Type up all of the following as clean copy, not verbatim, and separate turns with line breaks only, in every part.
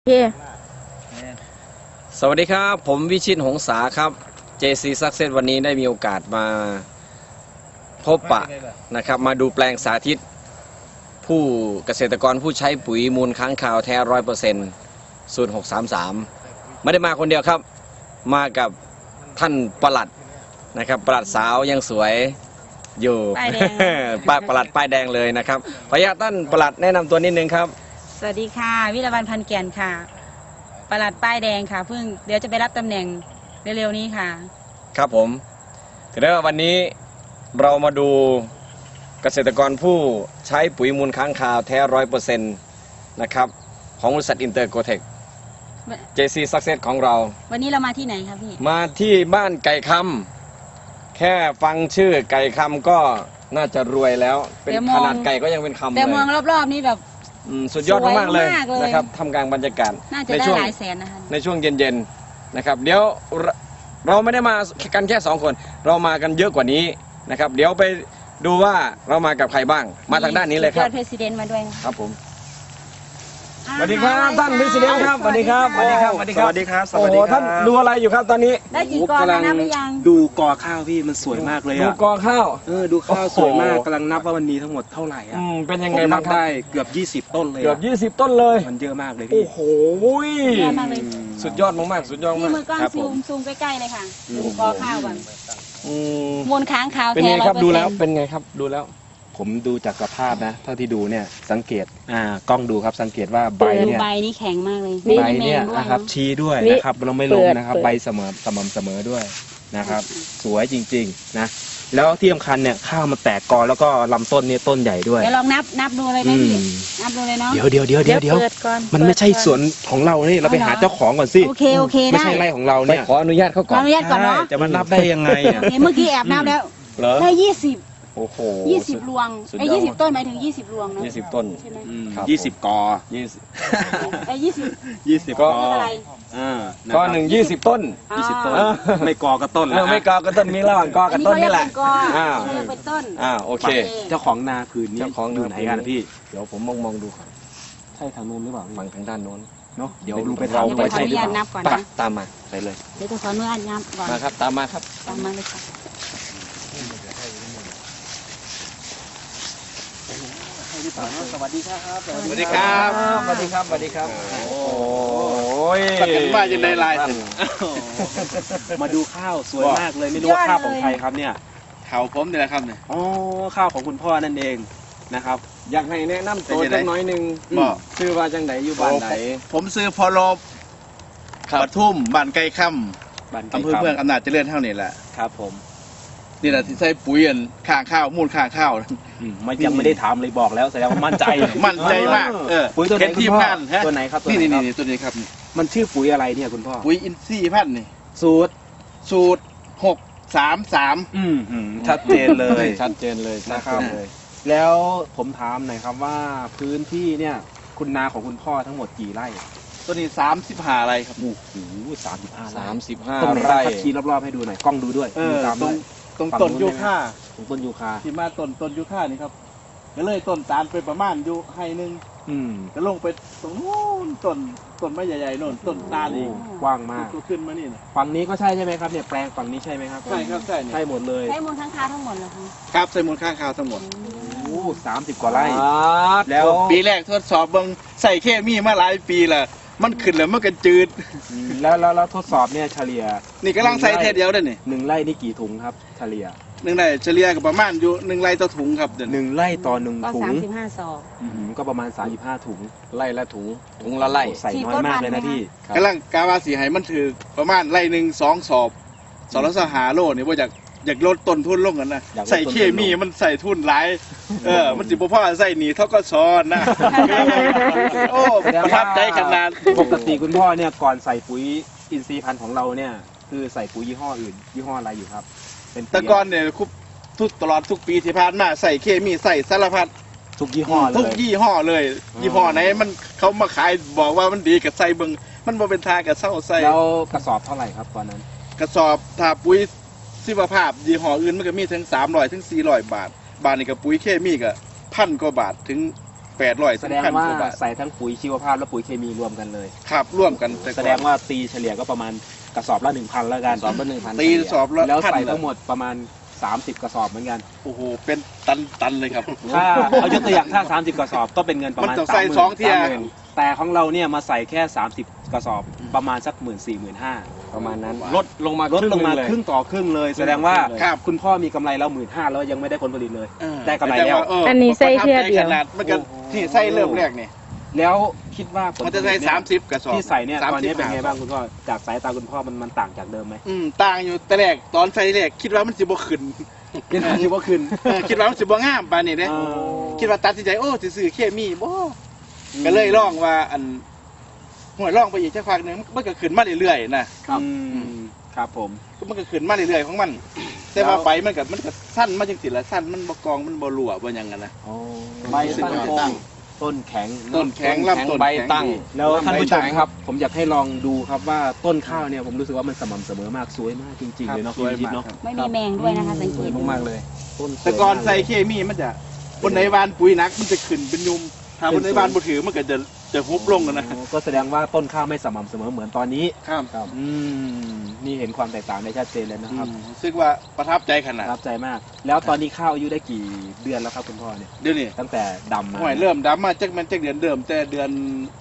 โอเค
สวัสดีครับผมวิชิตหงษาครับ JC Success วันนี้ได้มีโอกาสมาพบปะนะครับมาดูแปลงสาธิตผู้เกษตรกรผู้ใช้ปุ๋ยมูลค้างคาวแท้100%สูตร633ไม่ได้มาคนเดียวครับมากับท่านปลัดนะครับปลัดสาวยังสวยอยู่
ป้ายแดง
ปลัดป้ายแดงเลยนะครับขออนุญาตท่านปลัดแนะนำตัวนิดนึงครับ
สวัสดีค่ะวิรวรรณพันแก่นค่ะปลัดป้ายแดงค่ะเพิ่งเดี๋ยวจะไปรับตำแหน่งเร็วๆนี้ค่ะ
ครับผมถือว่าวันนี้เรามาดูเกษตรกรผู้ใช้ปุ๋ยมูลค้างคาวแท้100%นะครับของบริษัทอินเตอร์โกเทค JC Success ของเรา
วันนี้เรามาที่ไหนครับพี่
มาที่บ้านไก่คำแค่ฟังชื่อไก่คำก็น่าจะรวยแล้วเป็นขนาดไก่ก็ยังเป็นคำเลย
แต่เมืองรอบๆนี้แบบ
สุดยอดมากๆเลยนะครับทำกลางบรรยากาศ
น่าจะได้หลายแสนนะคะ
ในช่วงเย็นๆนะครับเดี๋ยวเราไม่ได้มากันแค่2คนเรามากันเยอะกว่านี้นะครับเดี๋ยวไปดูว่าเรามากับใครบ้างมาทางด้านนี้เลยครับ
ยอดเพรสิดเนต์มาด้วยนะครับ
ผมสวัสดีครับท่านเพรสิดเนต์ครับสวัสดีครับสวัสดีครับสวัสดีครับสวัสดีครับโอ้โหท่านดูอะไรอยู่ครับตอนนี้
ได้กี่กอแล้วนับหรือยัง
ดูกอข้าวพี่มันสวยมากเลยอะ
ดูกอข้าว
ดูข้าวสวยมากกำลังนับว่ามันมีทั้งหมดเท่าไหร่อะ
เป็นยังไงบ้างครับ
ได้เกือบ20ต้นเลย
เกือบ20ต้นเลย
มันเยอะมากเลยพี่
โอ้โหสุดยอดมากๆสุดยอดมาก
นี่มือกล้องซูมใกล้ๆเลยค่ะดูกอข้าวก่อนมูลค้างคาว
เป็นไงครับดูแล้วเป็นไงครับดูแล้ว
ผมดูจากสภาพนะเท่าที่ดูเนี่ยสังเกตกล้องดูครับสังเกตว่าใบเนี่ย
ใบนี่แข็งมากเลย
ใบเนี่ยนะครับชี้ด้วยนะครับเราไม่ลงนะครับใบสม่ำเสมอด้วยนะครับสวยจริงๆนะแล้วที่สำคัญเนี่ยข้าวมันแตกกอแล้วก็ลำต้นเนี่ยต้นใหญ่ด้วย
เดี๋ยวลองนับดูเลยไหมพี่นับดูเลยเนาะ
เดี๋ยวมันไม่ใช่สวนของเรานี่เราไปหาเจ้าของก่อนสิ
โอเค
ไม่ใช่ไร่ของเราเนี่ย
ขออนุญาตเขาก่อน
ขออนุญาตก่อนเนาะ
จะมานับได้ยังไง
เมื่อกี้แอบนับแล้วได้20
โอ้โห
20รวง20ต้นหมายถึง20รวงเนาะ
20ต้น
ใช่ไหม
20กอ
20
ก็
ก็
20ต้น
20ต้นไม่กอก็ต้นแล้ว
ไม่กอก็ต้นมีระหว่างกอกับต้นนี่แหละ
เป็นต้น
โอเค
เจ้าของนาผืนนี้
เจ้าของ
อยู่ไหนกันพี่
เดี๋ยวผมมองดูก่อน
ใช่ทางนู้นหรือเปล่า
ฝั่งทางด้านโน้น
เนาะเดี๋ยวดูไป
เราไปใช่หรือเปล่า
ตามมาไปเลย
เดี๋ยวจะขออนุญาตนับก่อน
มาครับตามมาครับ
ตามมาเลยค่ะ
สวัสดีครับ
สวัสดีครับสวัสดีครับสวัสดีครับโอ้ย
สักกันว่าจะได้ลายมาดูข้าวสวยมากเลยไม่รู้ว่าข้าวของใครครับเนี่ย
ข้าวผมนี่แหละครับเนี่ย
ข้าวของคุณพ่อนั่นเองนะครับ
อยากให้แนะนำตัวจังน้อยนึงชื่อว่าจังไหนอยู่บ้านไหน
ผมซื้อพอลบปทุมบ้านไก่ค่ำอำเภอเมืองอำนาจเจริญเท่านี้แหละ
ครับผม
นี่แหละที่ใส่ปุ๋ยข้างข้าวมูลข้างข้าว
ยังไม่ได้ถามเลยบอกแล้วแสดงว่ามั่นใจ
มาก
ปุ๋ยตัวไหน
ทีมงาน
ตัวไหนครับ
นี่ตัวนี้ครับ
มันชื่อปุ๋ยอะไรเนี่ยคุณพ่อ
ปุ๋ยอินทรีย์พันธุ์นี่
สูตร
633
ชัดเจนเลย
ชัดเจนเลย
นะครับแล้วผมถามหน่อยครับว่าพื้นที่เนี่ยคุณนาของคุณพ่อทั้งหมดกี่ไร่
ตัวนี้35ไร่ครับ
โอ้โห
35ไร่
ชี้รอบๆให้ดูหน่อยกล้องดูด้วย
ตรงต้นยูคา
ต้นยูคา
ที่มาต้นยูคานี่ครับก็เลยต้นตาลไปประมาณอยู่ให้นึงก็ลงไปตรงนู้นต้นไม้ใหญ่ๆโน่นต้นตาลอีก
กว้างมาก
ก็ขึ้นมานี่
ฝั่งนี้ก็ใช่ไหมครับเนี่ยแปลงฝั่งนี้ใช่ไหมครับ
ใช่ครับ
ใช่หมดเลย
ใช้มูลค้างคาวทั้งหมดเหรอคะ
ครับใช้มูลค้างคาวทั้งหมด
30 กว่าไร่
แล้วปีแรกทดสอบเบิ่งใส่เคมีมาหลายปีละมันขึ้นแล้วมันก็จืด
แล้วทดสอบเนี่ยเฉลี่ย
นี่กำลังใส่เทศเดียวได้นี่
1 ไร่นี่กี่ถุงครับเฉลี่ย
1 ไร่เฉลี่ยก็ประมาณอยู่1 ไร่ต่อถุงครับ
1 ไร่ต่อ1 ถุง
ก็35 ซอง
ก็ประมาณ35 ถุง
ไร่ละถุงละไร่
ใส่น้อยมากเลยนะพี่
กำลังกาวาสีให้มันถือประมาณไร่หนึ่ง2 สอบละ5 โลนี่ว่าอยากลดต้นทุนลงกันนะใส่เคมีมันใส่ทุนหลายมันสิบ่พอใส่หนีเท่าก็ซ้อนนะโอ้ประทับใจขนาด
ปกติคุณพ่อเนี่ยก่อนใส่ปุ๋ยอินทรีย์พันธุ์ของเราเนี่ยคือใส่ปุ๋ยยี่ห้ออื่นยี่ห้ออะไรอยู่ครับ
แต่ก่อนเนี่ยตลอดทุกปีที่ผ่านมาใส่เคมีใส่สารพัด
ทุกยี่ห้อเลย
ยี่ห้อไหนมันเขามาขายบอกว่ามันดีกับใส่เบิ่งมันบ่เป็นทางกับเศร้าใส่
แล้วกระสอบเท่าไหร่ครับตอนนั้น
กระสอบถ้าปุ๋ยชีวภาพยี่ห้ออื่นมันก็มีถึง300 ถึง 400 บาทนี่กับปุ๋ยเคมีก็1,000 กว่าบาทถึง 800
แสดงว่าใส่ทั้งปุ๋ยชีวภาพและปุ๋ยเคมีรวมกันเลย
ครับร่วมกันต่ก่อน
แสดงว่าตีเฉลี่ยก็ประมาณกระสอบละ 1,000แล้วกัน
สอบละ1,000
ตีสอบละ
แล้วใส่
1,000
ทั้งหมดประมาณ30กระสอบเหมือนกัน
โอ้โหเป็นตันเลยครับ
ถ้าเอายกตัวอย่างถ้า30กระสอบก็เป็นเงินประมาณ
มันต้องใส่2เที่ย
30,000แต่ของเราเนี่ยมาใส่แค่30กระสอบประมาณสัก 14,000-15,000
ประมาณนั้น
ลดลงมาครึ่งต่อครึ่งเลย แสดงว่า
ครับ
คุณพ่อมีกำไรแล้ว 15,000แล้วยังไม่ได้ผลผลิตเลย ได้กำไร
ต่
แล้ว
อันนี้ใส่เที่ยเดียว
ขนาดมันก็ที่ใส่เริ่มแรกนี่
แล้วคิดว่าผลผ
มัน
ลิ
จะ
ต
ใส่
เนี่ย
30กระสอบ
ที่ใส่เนี่ยตอนนี้เป็นไง
35
บ้างคุณพ่อจากสายตาคุณพ่อมันต่างจากเดิมไหม
ต่างอยู่แต่แรกตอนใส่แรกคิดว่ามันสิบ่ขึ้น
เป็นคิดว่าขึ้น
คิดว่ามันสิบ่งามปานนี้เด้
อ๋อ
คิดว่าตัดสินใจโอ้สิซื้อเคมีบ่ก็เลยลองว่าอันห่วยลองไปอีกสักพักหนึงมันก็ขึ้นมาเรื่อยๆนะครับ
ครับผม
มันก็ขึ้นมาเรื่อยๆของมัน แต่ว่าใบมันก็สั้นมาจังซี่ละสั้นมันบ่กองมันบ่รั่วบ่หยังกันนะ
ใบตั้งโค้ง
ต้นแข็ง
ต้นแข็งลำต้น
ใบ
แข็ง
ตั้ง
แล้วท่านผู้ชม
ใบตั้ง
ครับ ผมอยากให้ลองดูครับว่าต้นข้าวเนี่ยผมรู้สึกว่ามันสม่ำเสมอมากสวยมากจริงๆเลยเนาะ
สวย
คุณ
มาก
เนาะ
ครับ
ไม่มีแมงด้วยนะคะ สังเกต
มากเลย
ต้นสวย
แต่ก่อนใส่เคมีมันจะบนในบ้านปุ๋ยหนักมันจะขึ้นเป็นยุมถ้าบนในบ้านบ่ถือมันก็จะฮุบลงกันนะ
อ๋อก็แสดงว่าต้นข้าวไม่สม่ำเสมอเหมือนตอนนี้
ครับ
อืมนี่เห็นความแตกต่างได้ชัดเจนเลยนะครับ
รู้สึกว่าประทับใจข
ป
นาด
ระทับใจมาก แล้วตอนนี้ข้าวอายุได้กี่เดือนแล้วครับคุณพ่อเนี่ย
เดี๋ยวนี้
ตั้งแต่ดำมา
ห่วยเริ่มดำมาจากมันจากเดือนเดิมแต่เดือน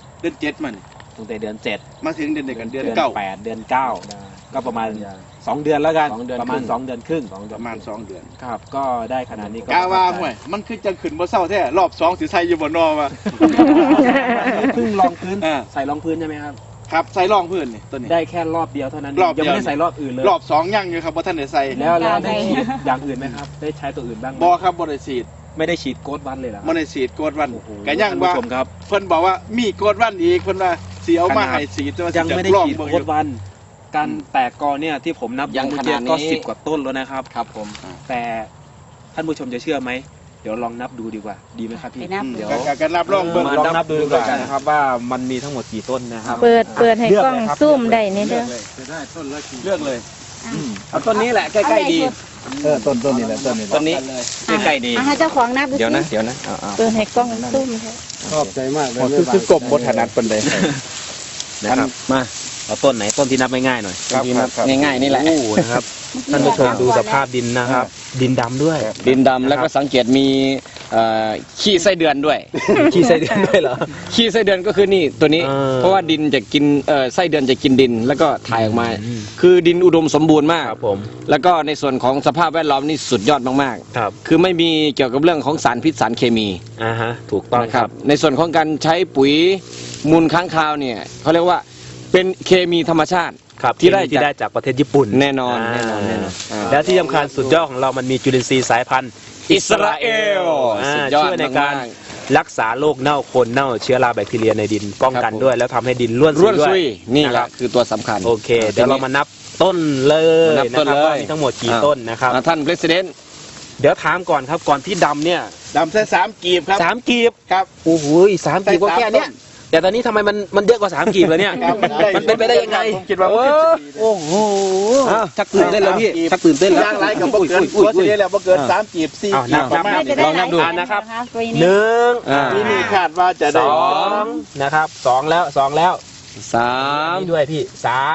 7มัน
ตั้งแต่เดือน7
มาถึงเดือนเดียวกันเดือนเก้า
8เดือน9ก็ประมาณ2 เดือนแล้วกัน
2 เดือน
ประมาณ
ครึ่ง
2 เดือนครึ่ง
ประมาณ2 เดือน
ครับก็ได้ขนาดนี้ก็
กาว่าห่วยมันคือจังขึ้นบ่เศร้าแท้รอบ2สิใส่อยู่บ่นอว่า
เพิ่งรองพื้น
อ่า
ใส่รองพื้นใช่ไหมครับ
ครับใส่รองพื้นนี่ตัวนี้
ได้แค่รอบเดียวเท่านั้น
รอบเดี
ยั
ยว
งไม่ได้ใส่รอบอื่นเลย
รอบ2ยังอยู่ครับบ่ทันได้ใส่
แล้วได้ฉีดอย่างอื่นไหมครับ ได้ใช้ตัวอื่นบ้างไหม
บ่ครับบ่ได้ฉีด
ไม่ได้ฉีดโกดวันเลยเหรอ
บ่ได้ฉีดโกดวัน
โอ้โห
ก็ยังว่า
ท่านผู้ชมครับ
เพิ่นบอกว่ามีโกดวันอีกเพิ่นว่าสิเอามาให้ฉีดแต่ว่า
ยังไม่ได้
จะลอ
ฉีด
เบิ่ง
โกดวัน การแตกกอเนี่ยที่ผมนับ
ยัง
เมื่อ
ข
กี้
นาดนี้
ก็10 กว่าต้นแล้วนะครับ
ครับผม
แต่ท่านผู้ชมจะเชื่อไหม เดี๋ยวลองนับดูดีกว่า ดีไหมครับพี่
ไปนับ
เดี๋ยว
ก็นับลองเบิ่ง
ลองนับดูดีกว่านะครับว่ามันมีทั้งหมดกี่ต้นนะครับ
เปิดให้กล้องซูมได้นี่เด้อ
จะได้ต้นละกี่
เลือกเลยเอาต้นนี้แหละใกล้ๆดี
ต้นนี้แหละต้นนี้
ต้นนี้ใกล้ๆดี
ให้เจ้าของนับดูสิ
เดี๋ยวนะเอา
เปิดให้กล้องซูมเถอะ
ชอบใจมากเลย
คือกบบ่ถนัดปานใด
นะครับ
มา
เอาต้นไหนต้นที่นับง่ายๆหน่อย
ครับครับ
ง่ายๆนี่แหละ
โอ้นะครับท่านผู้ชมดูสภาพดินนะครับ ดินดำด้วย
ดินดำแล้วก็สังเกตมีขี้ไส้เดือนด้วย
ขี้ไส้เดือนด้วยเหรอ
ขี้ไส้เดือนก็คือนี่ตัวนี้ เพราะว่าดินจะกินไส้เดือนจะกินดินแล้วก็ถ่ายออกมา คือดินอุดมสมบูรณ์มาก
ครับผม
แล้วก็ในส่วนของสภาพแวดล้อมนี่สุดยอดมาก
ครับ
ๆ คือไม่มีเกี่ยวกับเรื่องของสารพิษสารเคมี
ฮะถูกต้อง
นะครับ ในส่วนของการใช้ปุ๋ยมูลค้างคาวเนี่ยเขาเรียกว่าเป็นเคมีธรรมชาติ
ครับ
ที่ได้
ที่ได้จากประเทศญี่ปุ่น
แน่นอนแน่นอนอ่า
แล้วที่สำคัญสุดยอดของเรามันมีจุลินทรีย์สายพันธุ์
อิสราเอลสุดยอด
ช่วยในการ
มาก
รักษาโรคเน่าโคนเน่าเชื้อราแบคทีเรียในดินป้องกัน
ครับผม
ด้วย แล้วทำให้ดินร่วน
ร่วน
ด้ว
ซุ
ย
ยนี่แห
นะครั
ละ
บ
คือตัวสำคัญ
โอเค เดี๋ยวเรามานับต้นเลย
มานับต้น
นะครับ
เลย
ว่ามีทั้งหมดกี่ต้นนะครับ
ท่านประธาน
เดี๋ยวถามก่อนครับก่อนที่ดำเนี่ย
ดำแค่3กีบครับ
3 กีบ
ครับ
โอ้โห3 กีบก็แค่เนี้ยแต่ตอนนี้ทำไมมันเยอะกว่า3 กีบเลยเนี่ย
ครับ
มันเป็นไปได้ยังไง
ผมคิดว่ามัน
โอ้โหชักตื่นเต้นแล้วพี่ชักตื่นเต้นแล้ว
ย่างไรกับบ่เกินตัวเสียแล้วบ่เกิน3กีบ4
อ้าว
กี
นั
บบ ประมาณ
ไม่
นี้
จะได้หลาย
ลองนับดู
ต้นนะครับตัวนี้
หนึ่ง
ที่นี่คาดว่าจะ
ส
ได้
องนะครับ2แล้ว
สาม
นี่ด้วยพี่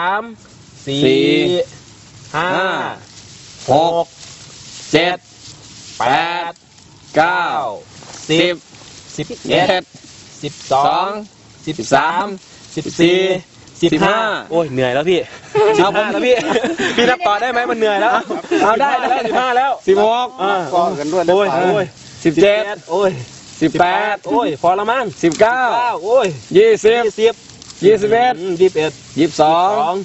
3
สี่
4 5
หก
6
เจ็ด
7
แปด
8
เก้า
9
สิบ
10
เอ็ด
11
สอง
12 13 14 15โอ้ยเหนื่อยแล้วพี่15แล้วพี่พี่นับต่อได้ไหมมันเหนื่อยแล้วเอาได้แล้ว15แล้ว
16
ก็กันด้วย
โอ้ยโอ้ย
17
โอ้ย
18
โอ้ยพอละมั้ง
19
โอ้ย
20
20 21
22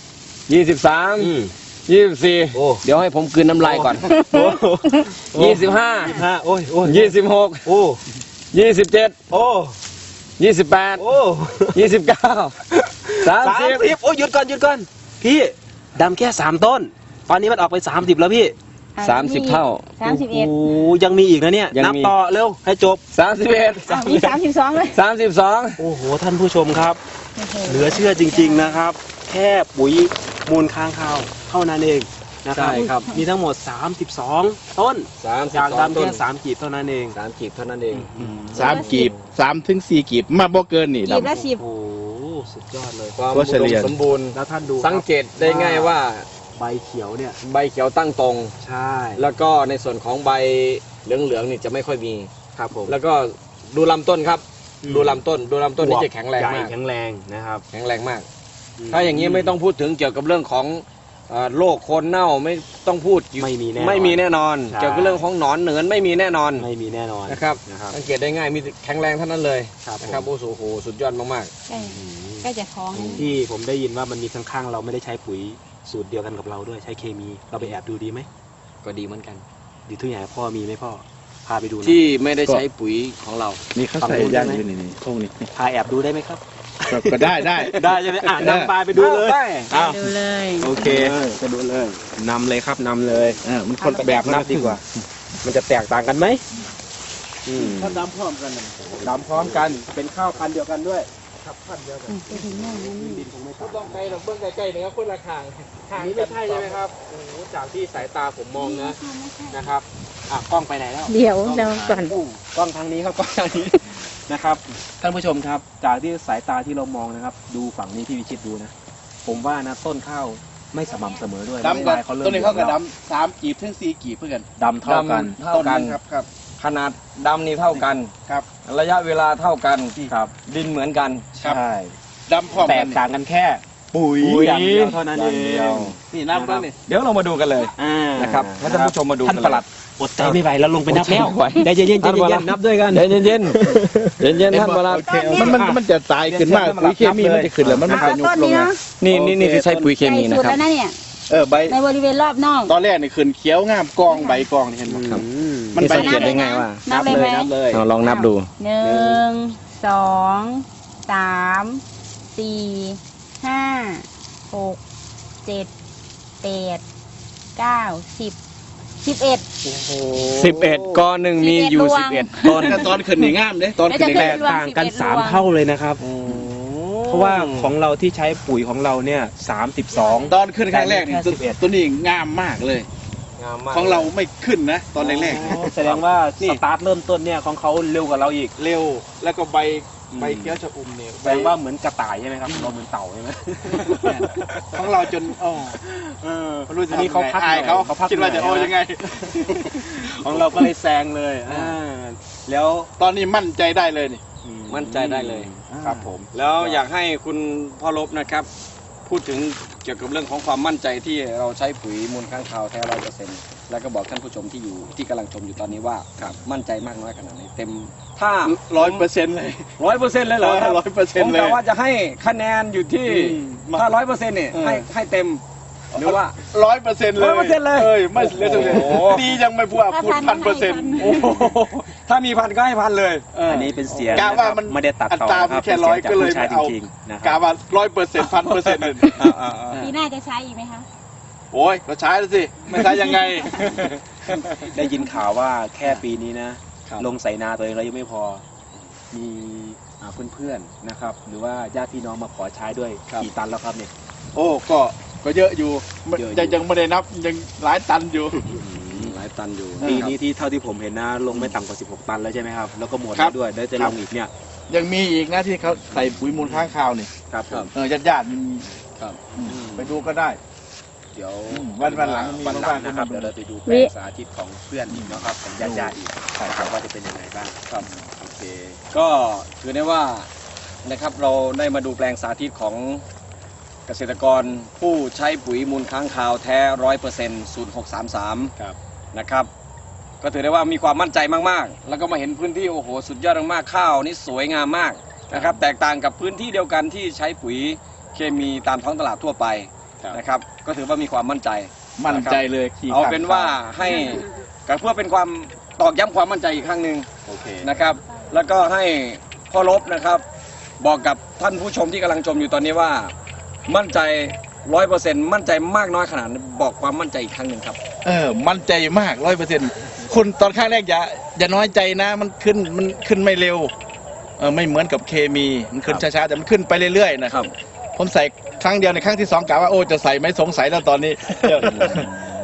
23 24
โอ้
เดี๋ยวให้ผมกลืนน้ำลายก่อน 25
โอ้ยโอ้ย
26
โอ้
27
โอ้
28
โอ้
29 30
โอ้ยหยุดก่อนพี่ดำแค่3 ต้น ตอนนี้มันออกไป30แล้วพี่
30 เท่า
31
โอ้ยังมีอีกนะเนี่ย
ยัง
นับ
มี
ต่อเร็วให้จบ
31
มี32เลย
32
โอ้โหท่านผู้ชมครับ เหลือเชื่อจริงๆนะครับ แค่ปุ๋ยมูลค้างคาวเท่านั้นเองนะครับ
ใช่ครับ
มีทั้งหมด 32 ต้น
32
จากดำ
ต้
แค่
น
3กีบเท่านั้นเอง
3 กีบเท่านั้นเอง
3 กีบ3 ถึง 4 กีบมาบ่เกินนี่
กีบละ
ดำ
สิบ
โอ้โหสุดยอดเลย
ความ
ก็
อุ
เฉ
ด
ลี่
ม
ย
สมบูรณ์
แล้วท่านดู
สังเกตได้ง่ายว่า
ใบเขียวเนี่ย
ใบเขียวตั้งตรง
ใช่
แล้วก็ในส่วนของใบเหลืองๆนี่จะไม่ค่อยมี
ครับผม
แล้วก็ดูลำต้นครับ
อืม
ดูลำต้นนี่จะแข็งแรง
ใหญ่
มาก
แข็งแรงนะครับ
แข็งแรงมาก ถ้าอย่างนี้ไม่ต้องพูดถึงเกี่ยวกับเรื่องของโรคโคนเน่าไม่ต้องพูดอยู่
ไม่มีแน่นอน
ไม่มีแน่นอน
ใช่
เกี่ยวกับเรื่องของหนอนเหนือนไม่มีแน่นอน
ไม่มีแน่นอน
นะครับ
นะครับ
สังเกตได้ง่ายมีแข็งแรงเท่านั้นเลย
ครับ
นะครับ
ผม
โอ้โหสุดยอดมาก
ใกล้ใกล้จะท้องแล้ว
ที่ผมได้ยินว่ามันมีข้างๆเราไม่ได้ใช้ปุ๋ยสูตรเดียวกันกับเราด้วยใช้เคมี เราไปแอบดูดีไหม
ๆ ก็ดีเหมือนกัน
ดีทุกอย่างพ่อมีไหมพ่อพาไปดูหน่อย
ที่ไม่ได้ใช้ปุ๋ยของเรา
นี่เขาใส่ย่างอยู่นี่พวกนี้
พาแอบดูได้ไหมครับ
ก็ได้
ได้ใช่ไหมนำปลาไปดูเลย
ได้
อ้าว
ดูเลย
โอเค
ไปดูเลย
นำเลยครับนำเลย
มันคน
แบบนับดีกว่า มันจะแตกต่างกันไหม
ถ้าดำพร้อมกันน่ะ
ดำพร้อมกันเป็นข้าวพันธุ์เดียวกันด้วย
ไปถึงโน่นนั่นนี่
ดินคงไม่ต่าง
ต้องไกลหรอกเบื้องไกลๆนะครับคนละทาง
อันนี้ไม่ใช่ใช่ไหมครับโอ้โหจากที่สายตาผมมองนะครับกล้องไปไหนแล้ว
เดี๋ยวเราก่อน
กล้องทางนี้ครับกล้องทางนี้ นะครับท่านผู้ชมครับ จากที่สายตาที่เรามองนะครับ ดูฝั่งนี้ที่วิชิตดูนะ ผมว่านะต้นข้าวไม่สม่ำเสมอด้วย
ดำก่อน
ไม่ได้
ตัวนี้เขาก็
ริ่ม
ดำ3 กีบถึง 4 กีบเพื่อกัน
ดำเท่ากัน
เท่ากัน
ครับ
ขนาดดำนี่เท่ากัน
ครับ
ระยะเวลาเท่ากัน
ครับ
ดินเหมือนกัน
ครับ
ใช่
ดำพร้อม
แต
กั
ก
น
ต่างกันแค่
ปุ๋ย
อย่างเดียวเท่านั้นเอ
อย่างเดียว
ง
นี่น้ำแล้วนี่
เดี๋ยวเรามาดูกันเลย นะครับให้ท่านผู้ชมมาดูกัน
ท่านปลัดอดใจไม่ไหวแล้วลงไปนับแล้ว
อดใจไม่ไหว
ใจเย็นๆใจ
ท่านปลั
เย็
ด
นๆนับด้วยกัน
เย็นเย็นเย็นเย็นๆท่านประหลัด
มันจะตายขึ้นมากปุ๋ยเคมีมันจะขึ้นแล้วมัน
เอา
จะยุบ
ต้น
ลง
นี้
นะ
เนาะ
นี่คือใช้ปุ๋ยเคมี
ใก
นะ
ล้สุด
ครับ
แล้วนะเนี่ย
ใบ
ในบริเวณรอบนอก
ตอนแรกนี่ขึ้นเขียวงามกองใบกองนี่เห็นไหม
ครับ
มันใบ
สังเกตได้ไงว่า
นับเลยไหม
นับเลย
เราลองนับดู
1 2 3 4 5 6 7 8 9 10 11
11ก้อนหนึ่งมีอยู่
11
11ต้น
แต่ตอนขึ้นนี่งามเด้ตอนขึ้นนี่
แล้
แต
ว
งาม
จะ
กต่างกัน3เท่าเลยนะครับ เพราะว่าของเราที่ใช้ปุ๋ยของเราเนี่ย32
ตอนขึ้นครั้งแรกนี่
แค่11
ตัวนี้งามมากเลย
งามมาก
ของเราไม่ขึ้นนะ ตอนแรก
อ๋อแสดงว่าสตาร์ทเริ่มต้นเนี่ยของเขาเร็วกว่าเราอีก
ๆเร็วแล้วก็ใบเขียวชะอุ่มเนี่ย
แสดงว่าเหมือนกระต่ายใช่ไหมครับเราเหมือนเต่าใช่ไหม
ของเราจนไม่รู้จะ
อันนี้เขาพัก
อายเขา
เขาพัก
คิดว่าจะ
เหนื่
โอ้
อย
ยังไง
ของเราก็เลยแซงเลยแล้ว
ตอนนี้มั่นใจได้เลยนี่
มั่นใจได้เลย
ครับผม
แล้วอยากให้คุณพ่อลบนะครับ พูดถึงเกี่ยวกับเรื่องของความมั่นใจที่เราใช้ปุ๋ยมูลค้างคาวแท้100%แล้วก็บอกท่านผู้ชมที่กำลังชมอยู่ตอนนี้ว่ามั่นใจมากน้อยขนาดไหนเต็ม ถ้า
100%เลย
100%เลยเหรอครับ
100%
ผม
เลย
กะว่าจะให้คะแนนอยู่ที่
อืม
ถ้า100%เนี่ยให้เต็มหรือว่า
100%เลย
100%เลย
ไม่เหลือสักเลย
โอ้โห
ดียังไม่พูดพูด 1,000%
โอ้โหถ้ามีพันก็ให้พันเลย
อันนี้เป็นเสียง
กะว่ามัน
ไม่ได้ตัดต่อ
อัตรา
นะค
มั
รับ
นแค่
เป็นเสียงจาก
100ก็เลย
ผู้ชาย
ไม่เอา
จริงๆนะค
กะ
รับ
ว่า100% 1,000%เลย
ปีหน้าจะใช้อีกไหมคะ
โอ้ยก็ใช้แล้วสิ ไม่ใช้ยังไง
ได้ยินข่าวว่าแค่ปีนี้นะ
ครับ
ลงใส่นาตัวเองแล้วยังไม่พอ มีเพื่อนๆนะครับ หรือว่าญาติพี่น้องมาขอใช้ด้วยกี่ตันแล้วครับเนี่ย
โอ้ก็เยอะอยู่
เยอะอยู่
ยังไม่ได้นับยังหลายตันอยู่
หลายตันอยู่
ปีนี้ที่เท่าที่ผมเห็นนะลงไม่ต่ำกว่า16 ตันแล้วใช่ไหมครับ แล้วก็หมด
ครั
แล้
บ
วด้วยแล้วจะ
ครั
ล
บ
งอีกเนี่ย
ยังมีอีกนะที่เขาใส่ปุ๋ยมูลค้างคาวนี่
ครับผม
ญาติๆมี
ครับ
ไปดูก็ได้
เดี๋ยว
วันหลังมี
วันหลังนะครับ
ว่างๆ
เดี๋ยวเราไปดูแปลงสาธิตของเพื่อนอีกนะครับของญาติๆอีกนะครับว่าจะเป็นยังไงบ้างครับโอเค
ก็ถือได้ว่านะครับเราได้มาดูแปลงสาธิตของเกษตรกรผู้ใช้ปุ๋ยมูลค้างคาวแท้100% 0633
ครับ
นะครับ ก็ถือได้ว่ามีความมั่นใจมากๆ แล้วก็มาเห็นพื้นที่โอ้โหสุดยอดมากๆข้าวนี่สวยงามมากนะครับ แตกต่างกับพื้นที่เดียวกันที่ใช้ปุ๋ยเคมีตามท้องตลาดทั่วไปนะครับ ก็ถือว่ามีความมั่นใจ
มั่นใจเลยขี่
เอาเป็นว่าให้ก็เพื่อเป็นความตอกย้ำความมั่นใจอีกครั้งหนึ่ง
โอเค
นะครับ แล้วก็ให้พ่อลบนะครับ บอกกับท่านผู้ชมที่กำลังชมอยู่ตอนนี้ว่า มั่นใจ100%มั่นใจมากน้อยขนาดไหนบอกความมั่นใจอีกครั้งหนึ่งครับ
มั่นใจมาก 100%คุณตอนข้างแรกอย่าน้อยใจนะ มันขึ้นไม่เร็วไม่เหมือนกับเคมีมันขึ้นช้าๆแต่มันขึ้นไปเรื่อยๆนะครับ ผมใส่ครั้งเดียวในครั้งที่2กะว่าโอ้จะใส่ไม่สงสัยแล้วตอนนี้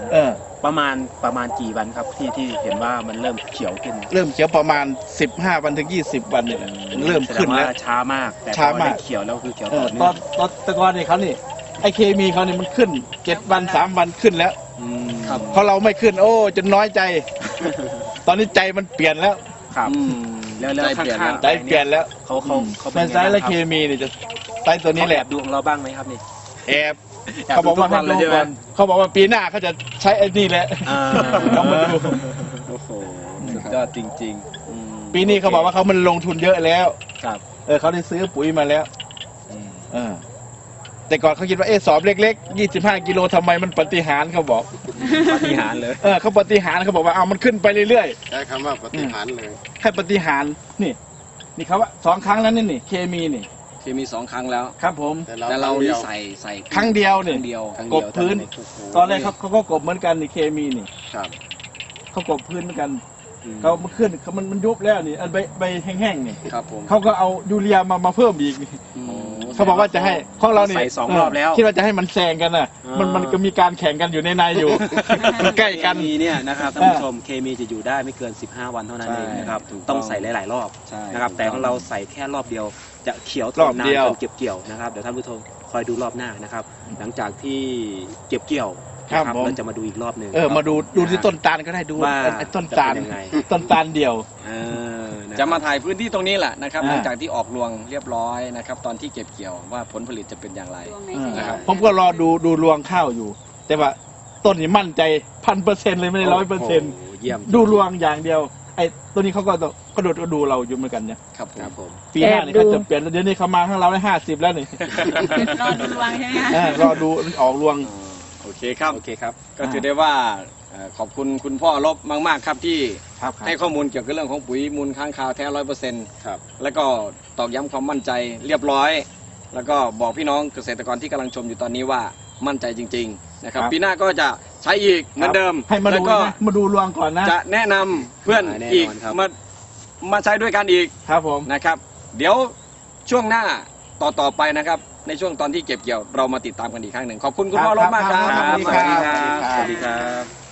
ประมาณกี่วันครับที่เห็นว่ามันเริ่มเขียวขึ้น
เริ่มเขียวประมาณ15 วันถึง 20 วันเนี่ยเริ่มขึ้นแล้ว
แสดงาช้ามากแต่พ
ช้า
อ
มาก
ได้เขียวแล้วคือเขียว
เอ
ต่
อ
อเนื่
ต
อ
อง นตะกอนนี่เขานี่ไอเคมีเขานี่มันขึ้น7 วัน 3 วันขึ้นแล้ว
ครับ
เพราะเราไม่ขึ้นโอ้จนน้อยใจ ตอนนี้ใจมันเปลี่ยนแล้ว
ครับ
อืม
แล้ว
ใจเปลี่ยน
ข้า
แล้ว
งๆ
ใจเปลี่ยนแล้ว
เขา
ในไซส์และเคมีนี่จะไซส์ตัวนี้แหละ
เขาอบดูของเราบ้างไหมครับนี่
แอบเขาบอกว่าให้ดูก่อนเขาบอกว่าปีหน้าเขาจะใช้ไอ้นี่แหละ ต้องมาดู
โอ้โหสุดยอดจริงๆ
ปีนี้เขาบอกว่าเขามันลงทุนเยอะแล้ว
ครับ
เขาได้ซื้อปุ๋ยมาแล้วเออแต่ก่อนเขาคิดว่าสอบเล็กๆ25 กิโลทำไมมันปฏิหารย์เขาบอก
ปฏิหารย์เลย
เขาปฏิหารย์เขาบอกว่าเอามันขึ้นไปเรื่อย
ใช้คำว่าปฏิหารย์เลย
ๆให้ปฏิหารย์นี่เขาว่า2 ครั้งแล้วนี่เคมีนี่
เคมี2 ครั้งแล้ว
ครับผม
แต่เรานี่ใส่
ครั้งเดียว
ครั้
นี่
งเดียว
กบพื้น ตอนแรกเขาก็กบเหมือนกันนี่เคมีนี่
ครับ
เขากบพื้นเหมือนกันเขามันขึ้นมันยุบแล้วนี่อันใบแห้งๆนี่
ครับผม
เขาก็เอายูเรียมาเพิ่มอีกนี่ เขาบอกว่าจะให้ของเราเนี่ย
ใส่2 รอบแล้ว
คิดว่าจะให้มันแซงกันน่ะ มันก็มีการแข่งกันอยู่ในอยู่ มันใกล้กัน
เคมีเนี่ยนะครับท่านผู้ชมเคมีจะอยู่ได้ไม่เกิน15 วันเท่านั้นเองนะครับ
ใช่ถูกต้
ต้
อ
อง งใส่หลายๆรอบ
ใช่
นะครับแต่ของเราใส่แค่รอบเดียวจะเขียวท
รอน บ
นาน
เดียว
จนเก็บเกี่ยวนะครับเดี๋ยวท่านผู้ชมคอยดูรอบหน้านะครับ หลังจากที่เก็บเกี่ยว
ครับ
นะ
ผม
เราจะมาดูอีกรอบหนึ่ง
มาดูที่ต้นตาลก็ได้ดู
ว่า
ไอ้ต้นตาล
จะเป็นยังไง
ต้นตาลเดียว
จะมาถ่ายพื้นที่ตรงนี้แหละนะครับ
อ่า
หลังจากที่ออกรวงเรียบร้อยนะครับตอนที่เก็บเกี่ยวว่าผลผลิตจะเป็นอย่างไร นะครับ
ผมก็รอดูรวงข้าวอยู่ แต่ว่าต้นนี้มั่นใจ1,000%เลยไม่ได้100%
โอ้โหเยี่ยม
ดูรวงอย่างเดียว ไอ้ตัวนี้เขาก็กระโดดก็ดูเราอยู่เหมือนกันเนี่ย
ครับผม
ครับผม
ปีหน้านี่เขาจะเปลี่ยนเดี๋ยวนี้เขามาข้างเราได้50แล้วนี่
รอดูดวงใช่ไหมคะ
รอดูออกรวง
โอเคครับ
โอเคครับ
ก็ถือได้ว่าขอบคุณคุณพ่อลบมากๆครับที่
ครับ
ให้ข้อมูลเกี่ยวกับเรื่องของปุ๋ยมูลค้างคาวแท้100%
ครับ
แล้วก็ตอกย้ำความมั่นใจเรียบร้อย แล้วก็บอกพี่น้องเกษตรกรที่กำลังชมอยู่ตอนนี้ว่ามั่นใจจริงๆนะครับ
ครับ
ปีหน้าก็จะใช้อีกเหมือนเดิม
ให้มา
แล้
ดู
วก็
นะมาดูรวงก่อนนะ
จะแนะนำเพื่อน
แน่นอน
อีก
ครับ
มาใช้ด้วยกันอีก
ครับผม
นะครับ เดี๋ยวช่วงหน้าต่อไปนะครับ ในช่วงตอนที่เก็บเกี่ยวเรามาติดตามกันอีกครั้งหนึ่งขอบคุณคุณพ่อลบมากครับ
ครับ
สวัสดีครั
ครับ บ
สวัสดีครับ